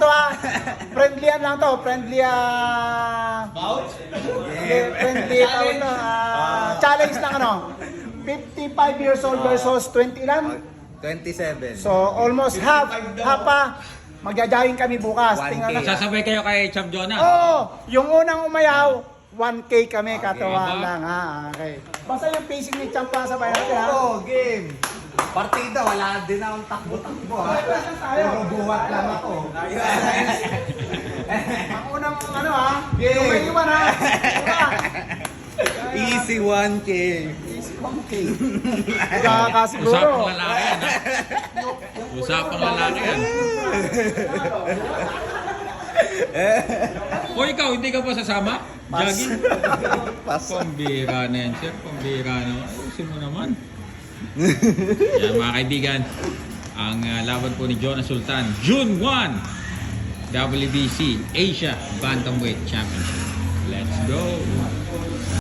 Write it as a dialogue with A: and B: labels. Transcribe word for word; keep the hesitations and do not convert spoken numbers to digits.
A: to ha. Friendly yan lang to. Friendly ah...
B: Vouch?
A: Friendly, friendly tawag to. ah, challenge lang ano. fifty-five years old versus twenty lang.
C: twenty-seven.
A: So almost half. Half pa. Magja-jogging kami bukas.
C: one K.
A: Tingnan lang.
D: Sasabay kayo kay Champ Jonah.
A: Oo, yung unang umayaw, one K kami, katuwaan
D: Aba.
A: lang ha. Okay. Basta yung pacing ni Champ pa sa bayan natin ha.
C: Oo, game. Partida, wala din akong takbo-takbo ha.
A: Tayo.
C: Puro buhat lang ako.
A: Ang unang ano ha,
C: Game.
A: yung may iwan ha. Diba?
C: Easy one K.
A: Easy one K. Kakasiguro.
D: Usapang lalaki yan, ha? Usapang lalaki yan. O ikaw, hindi ka pa sasama?
A: Pas.
D: Jogging?
C: Pas.
D: Pambira na yan, sir. Pambira na. Ayusin mo naman. Yan mga kaibigan, ang uh, laban po ni Jonah Sultan, June first, W B C Asia Bantamweight Championship.